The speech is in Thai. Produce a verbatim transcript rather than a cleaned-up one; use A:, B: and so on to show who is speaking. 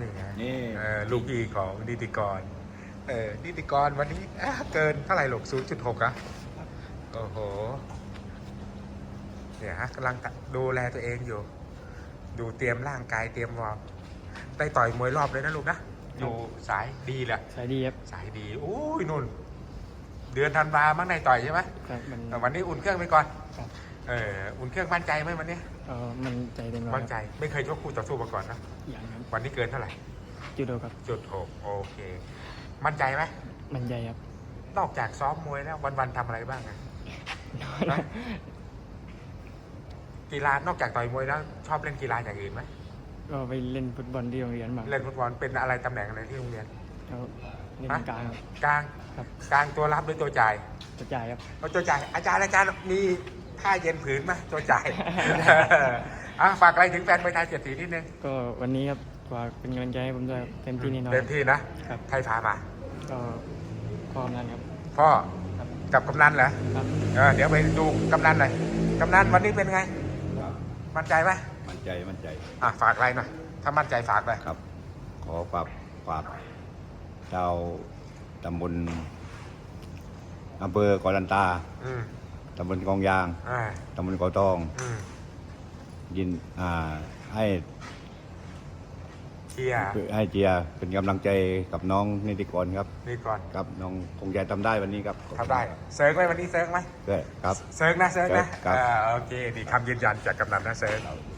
A: นี่ไง
B: นี่
A: เออลูกพี่ของนิติกรเออนิติกรวันนี้อ่ะเกินเท่าไหร่หรอกศูนย์จุดหกอะโอ้โหเนี่ยฮะกำลังดูแลตัวเองอยู่ ดูเตรียมร่างกายเตรียมวอร์มได้ต่อยมวยรอบเลยนะลูกนะอยู่สายดีแหละ
C: สายดีครับ
A: สายดีโอ้ยนุ่น เดือนธันวามั้งในต่อยใช่ไหม
C: ครับมัน
A: แต่วันนี้อุ่นเครื่องไปก่อน
C: ครับ
A: เอออุ่นเครื่องมั่นใจไหมวันนี้
C: เออมันใจเต็มร้อย
A: มั่นใจไม่เคยชกคู่ต่อสู้มาก่อนนะ
C: อย่างครับ
A: วันนี้เกินเท่าไหร่
C: จุดโดครับ
A: จุดหกโอเค มั่นใจไหม
C: มันใจครับ
A: นอกจากซ้อมมวยแล้ววันๆทำอะไรบ้างอะ นะ กีฬานอกจากต่อยมวยแล้วชอบเล่นกีฬาอย่างอื่นไหม
C: ก็ไปเล่นฟุตบอลที่โรงเรียนบ้าง
A: เล่นฟุตบอลเป็นอะไรตำแหน่งอะไรที่โรงเรียน
C: แล้วเล่น
A: ฮะ
C: กลางครับ
A: กลาง
C: ครับ
A: กลางตัวรับหรือตัวจ่าย
C: กระจายครับ
A: เอาตัวจ่ายอาจารย์อาจารย์มีท่าเย็นผืนไหมตัวจ่าย อ่ะฝากอะไรถึงแฟนมวยไทยเจ็ดสีนิดนึง
C: ก็วันนี้ครับฝากเป็นกำลังใจให้ผมด้วยครับเต็มที่แน่นอน
A: เต็มที่นะครับ ใครพามา
C: ก็ความนั้นครับ
A: พ่อ
C: ครับ
A: กับกำนันเหรอ
C: ครับ
A: เออเดี๋ยวไปดูกำนันหน่อยกำนันวันนี้เป็นไง มั่นใจไหม
B: มั่นใจมั่นใจ
A: อ่ะฝากอะไรหน่อยถ้ามั่นใจฝากเลย
B: ครับ ขอฝากฝากชาวตำบลอำเภอกอลันตา
A: อืม
B: ตำบลกองยาง
A: อ่า
B: ตำบลกอตอง
A: อืม
B: ยินอ่าให้
A: เชียร์
B: ให้เจียร์เป็นกำลังใจกับน้องนิติกรครับ
A: นี่ก่อน
B: ครับน้องคงจะทำได้วันนี้ครับ
A: ทำได้เซิร์ฟไหมวันนี้เซิร์ฟไหม
B: ก็ครับ
A: เซิร์ฟนะเซิร์ฟนะครับ อ่าโอเคดีคำยืนยันจากกำนันนะเซิร์ฟ